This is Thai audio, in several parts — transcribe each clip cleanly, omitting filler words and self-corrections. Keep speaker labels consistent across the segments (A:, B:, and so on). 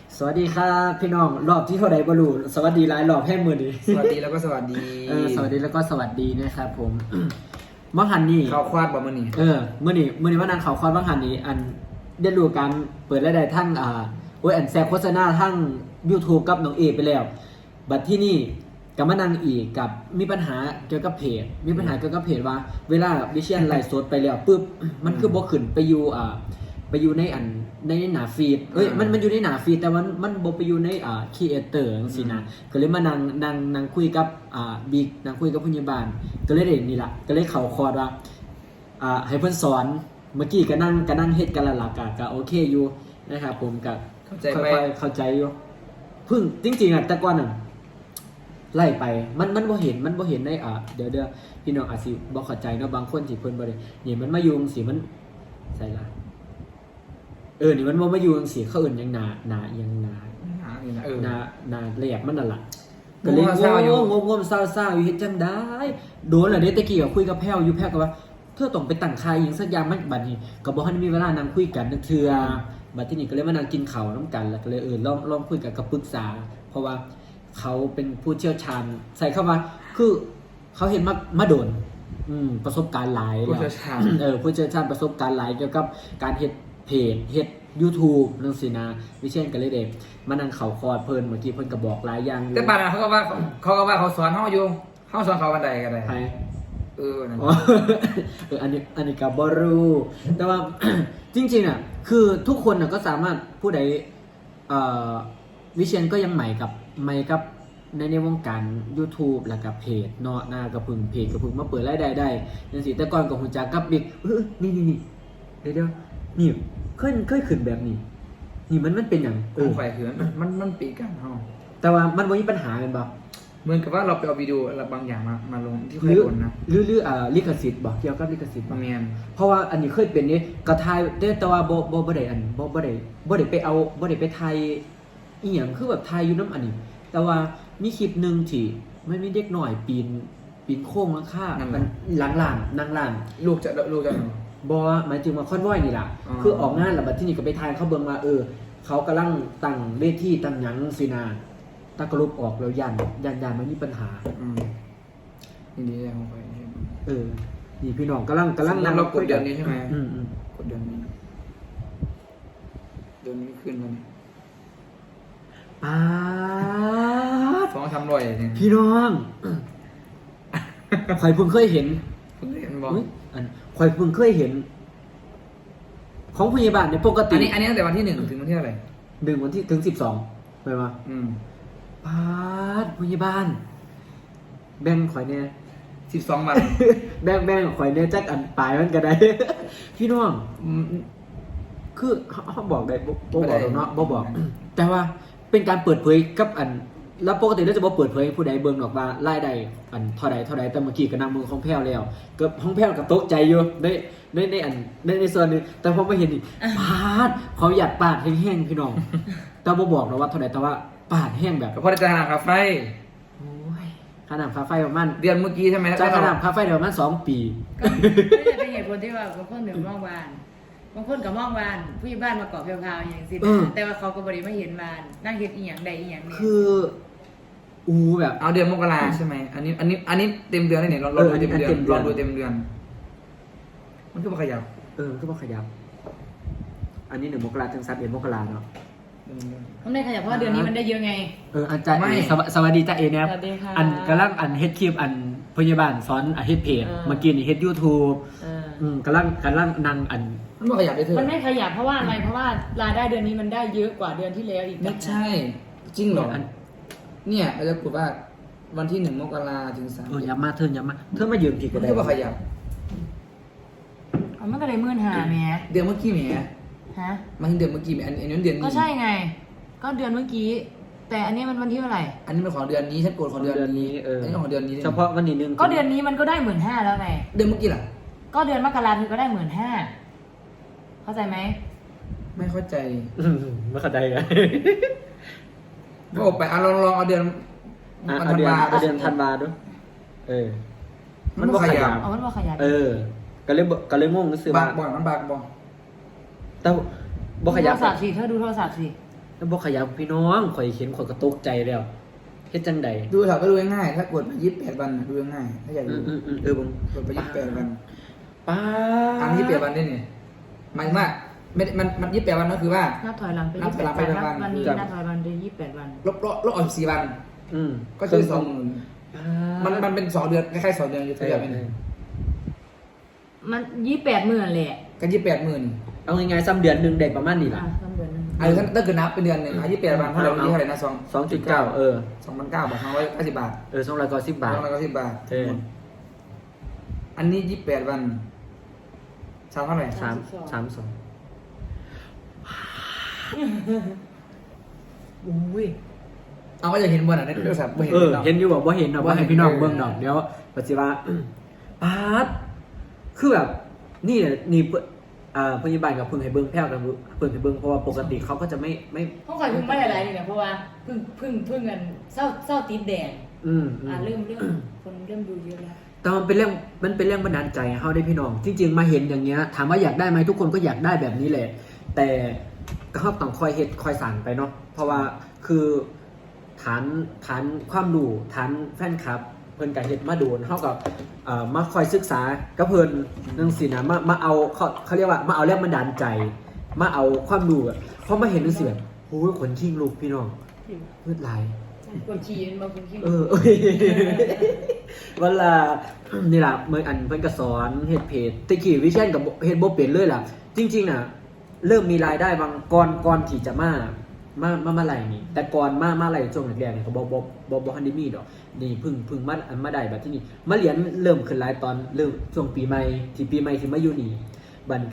A: สวัสดีครับพี่น้องรอบที่เท่าใดบ่รู้สวัสดีหลายรอบแค่มื้อนี้
B: สวัสดีแล้วก็สวัสดี
A: สวัสดีแล้วก็สวัสดีนะครับผม บังหันนี่
B: ข่าวควาดบ่มื้อนี้
A: มื้อนี้ว่านางเขาคอนบังหันนี่อันได้รู้การเปิดรายได้ทั้งอันแซกโฆษณาทั้ง YouTube กับน้องเอไปแล้ว บัดที่นี่ก็มานั่งอีกกับมีปัญหาเกี่ยวกับเพจว่า เวลาวิเชียนไลฟ์สดไปแล้วปุ๊บมันคือบ่ขึ้นไปอยู่ในในหน้าฟีดมันอยู่ในหน้าฟีดแต่มันบ่ไปอยู่ในครีเอเตอร์จังซี่นะก็เลยมานั่งคุยกับบิ๊กนั่งคุยกับผู้ใหญ่บ้านก็เลยได้นี่ล่ะก็เลยเข้าคอร์สว่าให้เพิ่นสอนเมื่อกี้ก็นั่งเฮ็ดกันละล่ะก็โอเคอยู่นะครับผมก็
B: เข้าใจ
A: ค่
B: ไหม
A: อยๆเข้าใจอยู่เพิ่งจริงๆแต่ก่อนน่ะไล่ไปมันบ่เห็นในเดี๋ยวพี่น้องอาจสิบ่เข้าใจเนาะบางคนที่เพิ่นบ่ได้นี่มันมาอยู่จังซี่มันใส่ละนี่มันบ่มาอยู่จังซี่เขาเอิ้นหยังหนาอีหยังหนาแหลกมันนั่นล่ะก็เลยงงเศร้าๆอยู่เฮ็ดจังได๋โดนแล้วเด้ตะกี้ก็คุยกับแพ้วอยู่แพ้วก็ว่าเธอต้องไปตั้งค่ายอีหยังสักอย่างมันบัดนี้ก็บ่ทันมีเวลานั่งคุยกันนึกเทื่อบัดทีนี้ก็เลยมานั่งกินข้าวนำกันแล้วก็เลยลองคุยกันกับปรึกษาเพราะว่าเขาเป็นผู้เชี่ยวชาญใส่เข้ามาคือเขาเห็นมาโดนประสบการณ์หลาย
B: ผู้เชี่ยวชาญ
A: ผู้เชี่ยวชาญประสบการณ์หลายเกี่ยวกับการเฮ็ดเพจเฮ็ด YouTube นั่นสินะวิเช่นกันเลยเด็กมานั่งเขาคอร์ดเพิ่นเมื่อกี้เพิ่นก็บอกหลายอย่างอยู่
B: แต่ป่านนั้นเขาก็ว่าเขาสอนเฮาอยู่เฮาสอนเขาวันใดก็ได้
A: ใคร
B: นั่น
A: อันนี้ก็บ่รู้แต่ว่า จริงๆอ่ะคือทุกคนน่ะก็สามารถผู้ใดวิเชียนก็ยังใหม่กับในวงการ YouTube แล้วก็เพจเนาะหน้ากระพึ่งเพจกระพึ่งมาเปิดรายได้ได้จังซี่แต่ก่อนก็ฮู้จักกับบิ๊กนี่เดี๋ยวนี่เคยขึ้นแบบนี้นี่มันเป็นหยัง
B: ไฟคือมันปีกันเฮา
A: แต่ว่ามันบ่มีปัญหากันบ่
B: เหมือนกับว่าเราไปเอาวิดีโออะไรบางอย่างมาลงที่เค
A: ห
B: ย
A: รือ
B: โดนนะ
A: ลิขสิทธิ์บ่เกี่ยวกับลิขสิทธิ์บ่
B: แม่น
A: เพราะว่าอันนี้เคยเป็นนี่ก็ถ่ายแต่ว่าบ่ได้ไปเอาบ่ได้ไปถ่ายอีหยังคือแบบถ่ายอยู่นำอันนี้ แต่ว่ามีคลิปหนึงที่มันมีเด็กน้อยปีนโค้งหลังคามันหลังนั่งร้าน
B: ลูกจะ
A: บ่หมายถึงว่าคอนวอยนี่ล่ะ
B: อ๋อ
A: คือออกงานแล้วบัดทีนี้ก็ไปถ่ายเขาเบิ่งว่าเขากำลังตั้งเวทีตั้งหยังสินะตะกรุบออกแล้วยันมันมีปัญหา
B: นี่ดีของไฟ
A: นี่พี่น้องกำลัง
B: เรากดเดือนนี้ใช่ไหม
A: อืม
B: กดเดือนนี้ขึ้นมาเนี่ย
A: ป๊าด
B: ฟ้องทำรอยเนี่ย
A: พี่น้อง ข่อยเพิ่งเคยเห็น
B: คุณเห็นบอก
A: อุ๊ยข่อยเพิ่งเคยเห็น ของพยาบาลในยปกติ
B: อันนี้ตั้งแต่วันที่1 ถึงวันที่อะไร
A: 1 วันที่ถึง12ไปมาป๊าดพยาบาลแบ่งข่อยเนี่ย
B: 12 วัน
A: แบ่งข่อยเนี่ยจักอันปลายมันก็ได้ พี่น้องคือเขาบอกได้บ่บอกหรอกเนาะบ่บอก แต่ว่าเป็นการเปิดเผยกับอัน แล้วปกติเราจะบ่เปิดเผยให้ผู้ใดเบิ่งหรอกว่ารายได้อันเท่าใดแต่เมื่อกี้ก็นำมือของแพ้วแล้วก็ของแพ้วก็ตกใจอยู่ในอันในส่วนนึงแต่พอมาเห็นนี่ปาดเขาอยากปาดแห้งๆพี่น้อง แต่บ่บอกหรอกว่าเท่าใดแต่ว่าปาดแห้งแบบ
B: ก็พอจะหาคาไฟ
A: โอ้ยค่าน้ำค่าไฟประมาณ
B: เดือนเมื่อกี้ใช่ไหม
A: จ่ายค่าน้ำค่าไฟเดี๋ยวประมาณ2 ปี
C: ก็ไม่ได้เป็นเหตุผลที่ว่าบางคนถึงมองวานบางคนกับมองวานผู้ใหญ่บ้านมาเกาะเพลวๆอย่างสิแต่ว่าเขาก็บริไม่เห็นวานนั่งเห็นอีหยังใดอีหยังเนี่ย
A: คือแบบ
B: เอาเดือนมกราใช่ไหมอันนี้เต็มเดือนเลยเนี่ยเราดูเต็มเดือนลองดูเต็มเดือน มันก็มาขยับ
A: ก็บ่ขยับ อันนี้1 มกราถึง31 มกราเนาะ
C: มันได้ขยับเพราะว่าเดือนนี้มันได้เยอะไง
A: อาจารย์สวัสดีจ้าเอเนี่ย
C: สวัสดีค่ะ
A: กำลังเฮ็ดคลิปพยาบาลสอนเฮ็ดเพจเมื่อกี้นี่เฮ็ด YouTube กำลังนั่ง
B: มันมาขยับได้เถอะ
C: มันไม่ขยับเพราะว่าอะไรเพราะว่ารายได้เดือนนี้มันได้เยอะกว่าเดือนที่แล้วอีก
B: ไม่ใช่ จริงเหรอเนี่ยเราจะกดว่าวันที่1 มกราถึง3
A: ย้ำมาเธอมายืมผิดก็
B: มัน
A: ได้
B: ก็มาขยับ
C: มันก็เลยมื่นหาแหม
B: เดือนเมื่อกี้แหม
C: ฮะ
B: มาถึงเดือนเมื่อกี้แหมอันนี้เดือนนี้
C: ก็ใช่ไง ก็เดือนเมื่อกี้ แต่อันนี้มันวันที่เท่าไหร่
B: อันนี้เป็นของเดือนนี้ฉันกดของเดือนนี้อันนี้ของเดือนนี้
A: เฉพาะวันนี้นึง
C: ก็เดือนนี้มันก็ได้15,000แล้วไง
B: เดือนเมื่อกี้ล่ะ
C: ก็เดือนมกราคมก็ได้15,000เข้าใจไหม
B: ไม่เข้าใจ
A: ไม่เข้าใจกัน
B: ก็ออกไปลองเอาเดือน
A: เอาเดือนธันวาดูมันบ่ขยับ
C: เอามันว่าขยับ
A: ก็เลยงงซื้อ
B: บั
A: มาก
B: บ่มันบักบ่
A: แต่บ่ขยับ
C: โทรศัพท์สิเธอดูโทรศัพท์สิ
A: แล้วบ่ขยับพี่น้องข่อยเห็นข่อยก็ตกใจแล้วเฮ็ดจังใด
B: ดูเถอะก็ดูง่ายๆถ้ากดมา28 วันดูง่ายๆถ้าอยากดู
A: บ่ง
B: กดไป28 วัน
A: ป้า
B: อัน28 วันได้เนี่ยหมายถึงว่าไม่ได้มัน28 วันก็คือว่า
C: นับถอยหลังไป
B: นับถอยหลังไป
C: 28
B: วัน
C: วันนี้นับถอยหลังไป28 วัน
B: ลบออก4 วัน ก็คือ20,000มันเป็น2 เดือนคล้ายๆ2 เดือนอยู่ตัวเดียวนี่
C: มัน28มื้อนั่นแหละ
B: ก็28,000
A: เอาง่ายๆซ้ำเดือนหนึงได้ประมาณนี้ล่ะ
C: ซ้ำเดือนนึง
B: ถ้าเกิดนับเป็นเดือนหนึง28 วันเท่าไหร่วันนี้เท่าไหร่นะ
A: 2.9
B: 2,900 บาท290 บาท
A: 290 บาท
B: 290 บาท
A: เออ
B: อันนี้28 วันเท่าไหร่
A: 32
C: อุ้ย
B: เอาก็จะเห็นบนอ่ะในโทรศัพท์บ่เห็น
A: เห็นอยู่บ่เห็นดอกบ่ให้พี่น้องเบิ่งดอกเดี๋ยวปัจจุบันปาดคือแบบนี่พยาบาลกับเพิ่งให้เบิ่งแพ้วกับเพิ่งให้เบิ่งเพราะว่าปกติเขาก็จะไม่
C: ห้องข่อยเพิ่งไม่อะไรนี่นะเพราะว่าเพิ่งกันเศร้าติดแดงเริ่มคนเริ่มดูเยอะแล้ว
A: แต่มันเป็นเรื่องบันดาลใจให้เฮาได้พี่น้องจริงๆมาเห็นอย่างเงี้ยถามว่าอยากได้ไหมทุกคนก็อยากได้แบบนี้แหละแต่ก็ต้องคอยเฮ็ดคอยสั่งไปเนาะเพราะว่าคือฐานความรู้ฐานแฟนคลับเพิ่นก็เฮ็ดมาโดนเฮากับมาคอยศึกษากับเพิ่นจังซี่นะมาเอาเขาเรียกว่ามาเอาแรงบันดาลใจ มาเอาความรู้อะพอมาเห็นจังซี่แบบโอ้ยขนชิงลูกพี่น้องมืดหลาย
C: คนชีนมาคนขี้
A: วันละนี่ล่ะเมื่ออันเพิ่นก็สอนเฮ็ดเพจตะกี้วิเชียนกับเฮ็ดบ่เป็นเลยล่ะ จริงๆน่ะ เริ่มมีรายได้บางก่อนที่จะมาไล่นี่แต่ก่อนมาไล่ช่วงแรกๆนี่ก็บ่ทันได้มีดอกนี่เพิ่งมาได้แบบที่นี่มาเรียนเริ่มขึ้นหลายตอนเริ่มช่วงปีใหม่ที่มาอยู่นี่บัดก็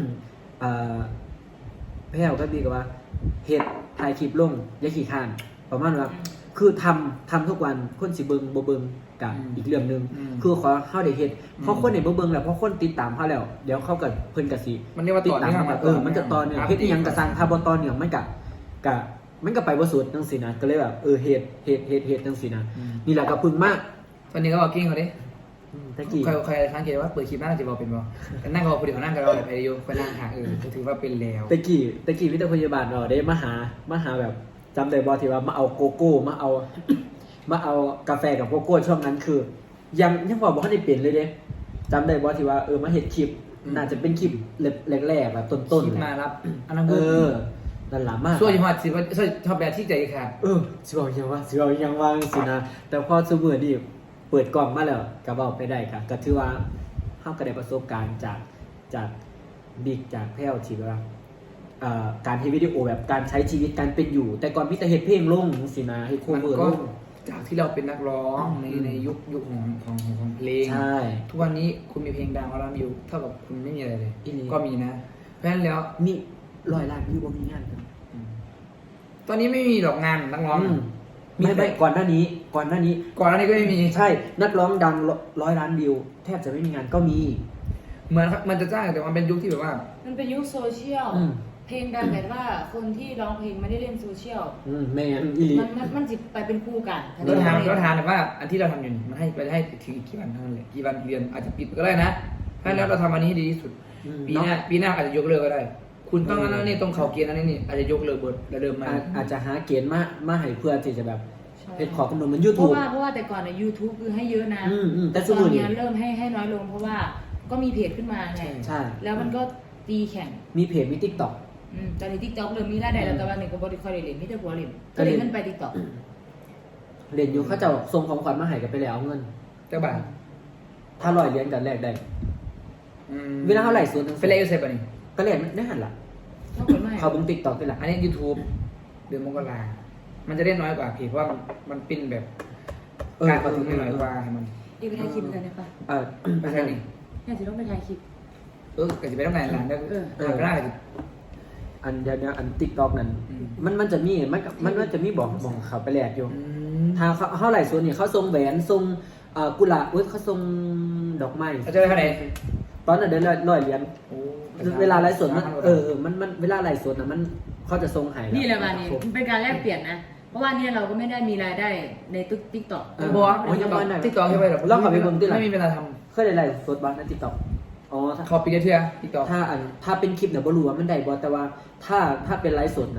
A: แพ้วก็มีกับว่าเฮ็ดถ่ายคลิปลงอย่าขี้ข้านประมาณว่าคือทำทุกวันคนสิเบิ่งบ่เบิ่งกับอีกเรื่องนึงคือขอเฮาได้เฮ็ดเพราะคนได้บ่เบิ่งแล้วเพราะคนติดตามเฮาแล้วเดี๋ยวเขาก็เพิ่นก็สิ
B: มันเรียกว่า
A: ติด
B: ต่อ
A: ตาม
B: เนื่อง
A: มามันจะต่อเนื่องเฮ็ดอีหยังก็สร้างถ้าบ่ต่อเนื่องมันก็ไปบ่สุดจังซี่นะก็เลยแบบเฮ็ดจังซี่นะนี่แหละก็พึ่งมาก
B: ตอนนี้ก็บอกกิ้งเขาดิ
A: ตะกี้
B: ใครสังเกตว่าเปิดคลิปน่าจะบอกเป็นบ่แต่นั่งรอพอดีเขานั่งกันรอแบบไอโยไปนั่งหาถือว่าเป็นแล้ว
A: ตะกี้วิทยาพยาบาลได้มาหาแบบจำได้บ่ที่ว่ามาเอาโกโก้มาเอากาแฟกับโกโก้ช่วงนั้นคือ ยังบอกว่าได้เปลี่ยนเลยเด้จำได้บ่ที่ว่ามาเฮ็ดคลิปน่าจะเป็นคลิปแรกๆแบบต้น
B: คลิปมารับอันนั้น
A: นั่นล่ะมาก
B: ช่วยฮอดสิว่าช่วยชอบแบบที่ใจขาด
A: สิเอายังว่าสินะแต่พอซุมื้อนี้เปิดกล่องมาแล้วก็เว้าไปได้ก็ถือว่าเฮาก็ได้ประสบการณ์จากบิ๊กจากแพ้วที่ว่าการเฮ็ดวิดีโอแบบการใช้ชีวิตการเป็นอยู่ แต่ก่อนมีแต่เฮ็ดเพลงลงสินะเฮ็ดโคเวอร์ลง
B: จากที่เราเป็นนักร้องในยุคของเพลง
A: ใช่
B: ทุกวันนี้คุณมีเพลงดังร้านวิวเท่ากับคุณไม่มีอะไรเลยก็มีนะเพราะฉะนั้นแล้ว
A: มี100 ล้านวิวบ่มีงานกัน
B: ตอนนี้ไม่มีดอกงานนักร้อง
A: ไม่ก่อนหน้านี้
B: ก่อนหน้านี้ก็ไม่มี
A: ใช่นักร้องดัง100 ล้านวิวแทบจะไม่มีงานก็มี
B: เหมือนมันจะจ้างแต่มันเป็นยุคที่แบบว่า
C: มันเป็นยุคโซเชียลเพลงดังแต่ว่าคนที่ร้องเพลงไม่ได้เล่นโซเชียล
A: แม่นอีหลี
C: มันจิไปเป็นคู่กัน
B: เราถามแต่ว่าอันที่เราทำอยู่มันให้ถึงอีกกี่วันเท่านั้นแหละกี่วันเรียนอาจจะปิดก็ได้นะเพราะแล้วเราทำอันนี้ให้ดีที่สุดปีหน้าอาจจะยกเลิกก็ได้คุณต้องนั่นนี่ต้องเข่าเกียร์นั่นนี่อาจจะยกเลิกบทแล้วเดิมมา
A: อาจจะหาเกณฑ์มาให้เพื่อที่จะแบบเป็นขอกำหนดมัน
C: เพ
A: YouTube
C: ราะว่าแต่ก่อนใน YouTube คือให้เยอะนะ
A: แต่
C: ต
A: ส
C: อน
A: มุน
C: นี้เริ่มให้น้อยลงเพราะว่าก็มีเพจขึ้นมาไง
A: ใช่
C: แล้วมันก็ตีแข่ง
A: มีเพจมี TikTok
C: ตอนนี้ TikTok เริ่มมีรายได้แล้วแต่ว่าหนึ่งก็บริคอยเล่นมีแต่ผัวเล่นก็เล่นมันไป TikTok
A: เรียนอยู่เขาจะส่งของขวัญมาให้กันไปแล้วเอาเงิน
B: เจ้าบ่าว
A: ถ้า100 เหรียญกันแลกได้เวลาเท่าไหร่ส่วนนึง
B: เป็นไรอยู่เซฟป่ะนี่
A: ก็เรียนได้หันล่ะ
C: เขาเปิดไม่
A: เขาเบิ่ง TikTok ได้ล่ะ
B: อันนี้ YouTube เดือนมกรามันจะได้น้อยกว่าเพจเพราะว่ามันปิ้นแบบการประทุมไม่น้อยกว่าให้มัน
C: อีกไปถ่ายคลิปกันได้ปะ
B: ไม่ใช่นี่
C: น่าจะต้องไปถ่ายคลิป
B: ก็จะไปต้องไหนล่ะแล้วก็ได้
A: อันเดี๋ยวอัน TikTok นั้นมันจะมีมันจะมีบอกเขาไปแลกอยู่ถ้าเท่าไหร่ส่วนนี่เขาส่งแหวนส่งกุหลาบเขาส่งดอกไม้
B: เขาจะได้เท่าไหร่
A: ตอนนั้นเดือน100 เหรียญเวลาไลฟ์สดมันมันเวลาไลฟ์สดนะมันเขาจะส่งให้
C: นี่แหละมานี่มันเป็นการแลกเปลี่ยนนะเพราะว่าเนี่ยเราก็ไม่ได้มีรายได้ในTikTok
B: บอกว่าติ๊กต็อกใช่ไหมหรอไม่มีเวลาท
A: เคยได้ไลฟ์สดบ้างใน TikTok อ๋อ
B: ำเขาปีเดียวติ๊กต็อก
A: ถ้าเป็นคลิปเนี่ยบ่รู้ว่ามันได้บ่แต่ว่าถ้าเป็นไลฟ์สดนะ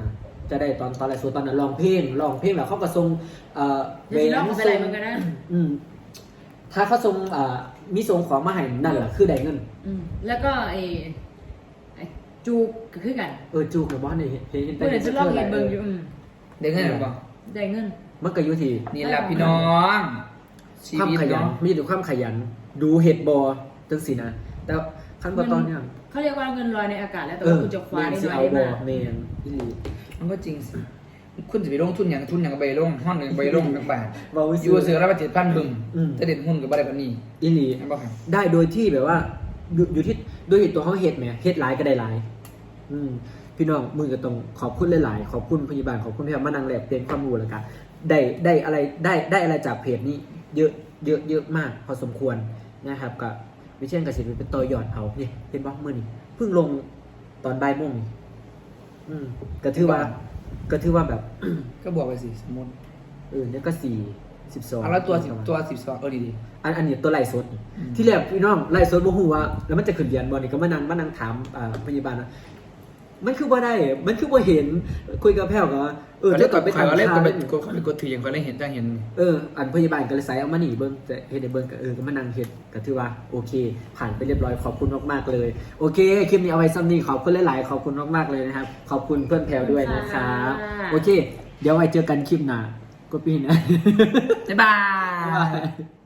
A: จะได้ตอนไลฟ์สดตอนนั้นร้องเพลงแล้วเขาก็ส่ง
C: เดี๋ยวสิลองไปอะไรมันก็ได้
A: ถ้าเขาส่งมีส่งของมาให้นั่นแหละคือได้เงิน
C: แล้วก็ไอ้จูกก็คือกัน
A: จูกับบอสเนี่ยเห็น
C: เพื่อนจะลองเห็นเบิ่งอยู่
B: ได้เงินหรือเปล่า
C: ได้เงิน
A: มันก็อยู่ที่
B: นี่แหละพี่น้องชี
A: ความ
B: วิต
A: ขยัน
B: เนาะ
A: มีแต่ความขยันดูเห็ดบอจังสินะแต่ขั้นตอนเนี่ย
C: เขาเรียกว่าเงินลอยในอากาศแล้วแต่ว่าคุณจะคว้าได้น้อยได้มาก
A: เมนพี่ลี
B: มันก็จริงสิคุณจะไปลงทุนอย่างใบลงห้องหนึ่งใบลงกันบาท
A: ว่าวิ
B: อยู่เสือรับ7,000บึง
A: อืม
B: จะเด็ดหุ้นกับอะไรแบบนี้
A: อีลี
B: ใช่ป่ะครับ
A: ได้โดยที่แบบว่าอยู่ที่โดยเหตุตัวเขาเห็ดไหมเห็ดหลายก็ได้หลายพี่น้องมือก็ต้องขอบคุณหลายๆขอบคุณพยาบาลขอบคุณพี่มานังแลบเปลี่ยนความรู้แล้วกันได้อะไรจากเพจนี้เยอะมากพอสมควรนะครับกับวิเชียนกสิทธิ์เป็นตัวยอดเอาเนี่ยเป็นบล็อกมือนี่เพิ่งลงตอนบ่ายโมงนี่ก็ถือว่าแบบ
B: ก็บอกไปสิสมมติ
A: เนี่ยก็42
B: เอาแล้วตัว12ดี
A: อันนี้ตัวไล่สดนี่ที่แรกพี่น้องไล่สดบ่ฮู้ว่าแล้วมันจะขึ้นเรียนบ่นี่ก็มานั่งถามพยาบาลนะมันคือบ่ได้มันคือบ่เห็นคุยกับแพ้วก็ว่าเดี๋ยวก่อนไป
B: ถ่าย
A: ทำ
B: เล่น
A: ข่าว
B: ไปกดถืออย่างเขาได้เห็นจังเห็น
A: อันพยาบาลก็เลยใส่เอามานี่เบิ่งแต่เฮ็ดให้เบิ่งก็มานั่งเฮ็ดก็ถือว่าโอเค ผ่านไปเรียบร้อยขอบคุณมากๆเลยโอเคคลิปนี้เอาไว้ซ้ำนี้ขอบคุณหลายๆขอบคุณมากๆเลยนะครับขอบคุณเพื่อนแพรวด้วยนะครับโอเค เดี๋ยวไว้เจอกันคลิปหน้าก็ปีหน้า
B: บ๊ายบาย